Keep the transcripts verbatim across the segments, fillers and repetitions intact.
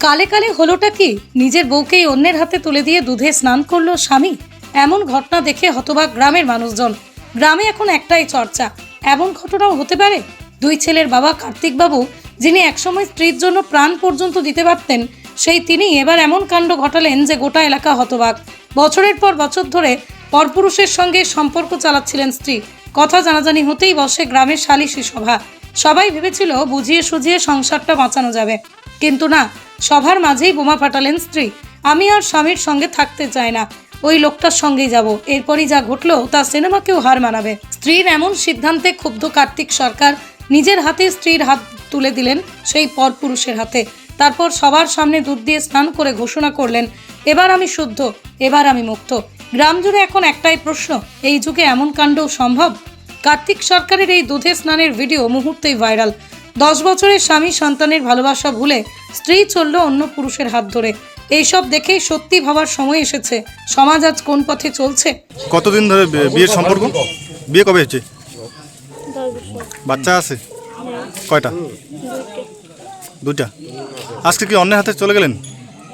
কালে কালে হলোটা কি? নিজের বউকেই অন্যের হাতে তুলে দিয়ে দুধে স্নান করলো স্বামী। এমন ঘটনা দেখে হতবাক গ্রামের মানুষজন। গ্রামে এখন একটাই চর্চা, এমন ঘটনাও হতে পারে? দুই ছেলের বাবা কার্তিক বাবু, যিনি একসময় স্ত্রীর জন্য প্রাণ পর্যন্ত দিতে পারতেন, সেই তিনি এবার এমন কাণ্ড ঘটালেন যে গোটা এলাকা হতবাক। বছরের পর বছর ধরে পরপুরুষের সঙ্গে সম্পর্ক চালাচ্ছিলেন স্ত্রী। কথা জানাজানি হতেই বসে গ্রামের সালিশি সভা। সবাই ভেবেছিল বুঝিয়ে সুঝিয়ে সংসারটা বাঁচানো যাবে, কিন্তু না, সভার মাঝেই বোমা ফাটালেন স্ত্রী। আমি আর স্বামীর সঙ্গে থাকতে চাই না, ওই লোকটার সঙ্গেই যাব। এরপরই যা ঘটলো তা সিনেমাকেও হার মানাবে। স্ত্রীর এমন সিদ্ধান্তে ক্ষুব্ধ কার্তিক সরকার নিজের হাতে স্ত্রীর হাত তুলে দিলেন সেই পরপুরুষের হাতে। তারপর সবার সামনে দুধ দিয়ে স্নান করে ঘোষণা করলেন, এবার আমি শুদ্ধ, এবার আমি মুক্ত। গ্রাম জুড়ে এখন একটাই প্রশ্ন, এই যুগে এমন কাণ্ডও সম্ভব? কার্তিক সরকারের এই দুধে স্নানের ভিডিও মুহূর্তেই ভাইরাল। দশ বছরের স্বামী সন্তানের ভালোবাসা ভুলে স্ত্রী চলল অন্য পুরুষের হাত ধরে। এইসব দেখেই সত্যি ভাবার সময় এসেছে, সমাজ আজ কোন পথে চলছে। কতদিন ধরে বিয়ের সম্পর্ক? বিয়ে কবে হয়েছে? বাচ্চা আছে কয়টা? দুটা। আজকে কি অন্যের হাতে চলে গেলেন?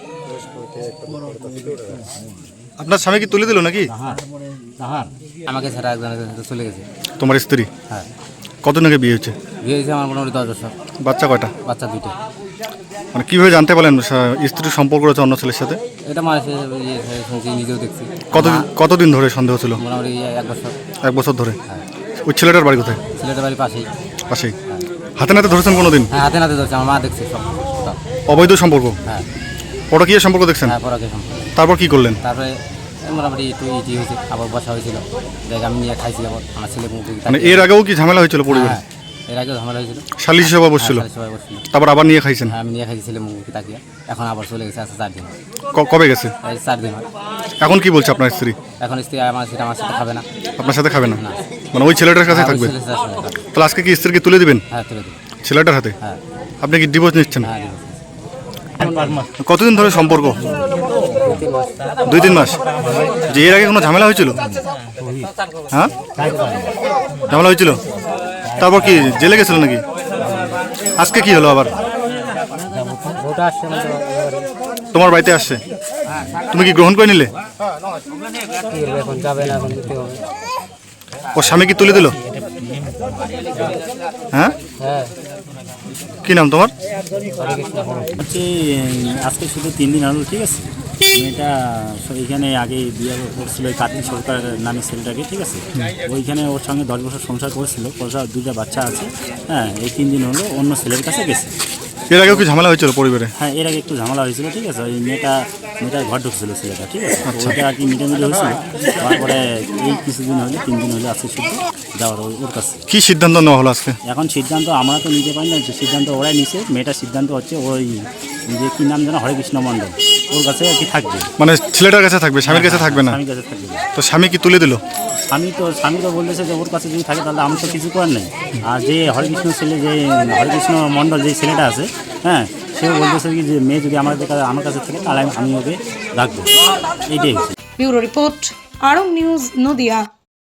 আপনার স্বামী কি তুলে দিল নাকি? আমাকে ছাড়া একজনের সাথে চলে গেছে। তোমার স্ত্রী? হ্যাঁ। কতদিন আগে বিয়ে হয়েছে? বিয়ে হয়েছে আমার মোটামুটি দশ বছর। বাচ্চা কয়টা? বাচ্চা দুটো। মানে কীভাবে জানতে পারলেন স্ত্রীর সম্পর্ক রয়েছে অন্য ছেলের সাথে? এটা মানুষের শুনছি, নিজেও দেখছি। কত কতদিন ধরে সন্দেহ ছিল? মোটামুটি এক বছর। এক বছর ধরে। হ্যাঁ। ওই ছেলেটার বাড়ি কোথায়? ছেলেটার বাড়ি পাশেই। পাশেই। হাতে নাতে ধরেছেন কোনো দিন? হ্যাঁ, হাতে নাতে ধরছে, আমার মা দেখছে সব। অবৈধ সম্পর্ক? হ্যাঁ। পরকীয়া সম্পর্ক দেখছেন? হ্যাঁ, পরকীয়া সম্পর্ক। তারপর কি করলেন? তারপরে মোটামুটি একটু ইটি হয়েছে, আবার বসা হয়েছিল, দেখ আমি নিয়ে খাইছি। আবার আমার ছেলে মুখ। মানে এর আগেও কি ঝামেলা হয়েছিল পরিবারে? হ্যাঁ, এর আগেও ঝামেলা হয়েছিল। সালিশি সভা বসছিল? সবাই বসছিল। তারপর আবার নিয়ে খাইছেন? হ্যাঁ, আমি নিয়ে খাইছি ছেলে মুখ তাকিয়ে। এখন আবার চলে গেছে, আচ্ছা চার দিন। কবে গেছে? এই চার দিন হয়। এখন কি বলছে আপনার স্ত্রী? এখন স্ত্রী আমার সেটা আমার সাথে খাবে না। আপনার সাথে খাবে না? মানে ওই ছেলেটার কাছে হ্যাঁ, ওই থাকবে? ছেলের সাথে খাবে। তাহলে আজকে কি স্ত্রীকে তুলে দিবেন হ্যাঁ, তুলে দেবো। ছেলেটার হাতে? হ্যাঁ। আপনি কি ডিভোর্স নিচ্ছেন? হ্যাঁ, দিবো। কতদিন ধরে সম্পর্ক? দুই তিন মাস। যে এর আগে কোনো ঝামেলা হয়েছিল? হ্যাঁ, ঝামেলা হয়েছিল। তারপর কি জেলে গেছিল নাকি? আজকে কি হলো আবার? তোমার বাড়িতে আসছে, তুমি কি গ্রহণ করে নিলে? ও স্বামী কি তুলে দিল? হ্যাঁ, কি নাম তোমার? হচ্ছে আজকে শুধু তিন দিন হলো, ঠিক আছে। মেয়েটা এইখানে আগে বিয়ে করছিল ওই কার্তিক সরকার নামে ছেলেটাকে, ঠিক আছে। ওইখানে ওর সঙ্গে দশ বছর সংসার করেছিল, পয়সা দুইটা বাচ্চা আছে। হ্যাঁ, এই তিন দিন হলো অন্য ছেলের কাছে গেছে। এর আগেও কি ঝামেলা হয়েছিল পরিবারে? হ্যাঁ, এর আগে একটু ঝামেলা হয়েছিল, ঠিক আছে। ওই মেয়েটা মেয়েটার ঘর ঢুকছিল ছেলেটা, ঠিক আছে। ওইটা আর কি মিটামিটি হয়েছিল। তারপরে এই কিছুদিন হলে তিন দিন হলে আজকে শুধু যাওয়ার ওর কাছে। কি সিদ্ধান্ত নেওয়া হলো আজকে? এখন সিদ্ধান্ত আমরা তো নিতে পারি না, সিদ্ধান্ত ওরাই নিছে। মেয়েটার সিদ্ধান্ত হচ্ছে ওই যে কী নাম যেন, হরেকৃষ্ণ মণ্ডল, ওর কাছে আর কি থাকবে। মানে ছেলেটার কাছে থাকবে, স্বামীর কাছে থাকবে না? স্বামীর কাছে থাকবে। তো স্বামী কি তুলে দিল? স্বামী তো স্বামী তো বলতেছে যে ওর কাছে যদি থাকে তাহলে আমি তো কিছু করার নেই। আর যে হরেকৃষ্ণ ছেলে, যে হরেকৃষ্ণ মণ্ডল যে ছেলেটা আছে, হ্যাঁ, সেও বলতেছে কি যে মেয়ে যদি আমার আমার কাছে থাকে তাহলে আমি ওকে রাখবো। এইটাই হচ্ছে। ব্যুরো রিপোর্ট, আরং নিউজ, নদিয়া।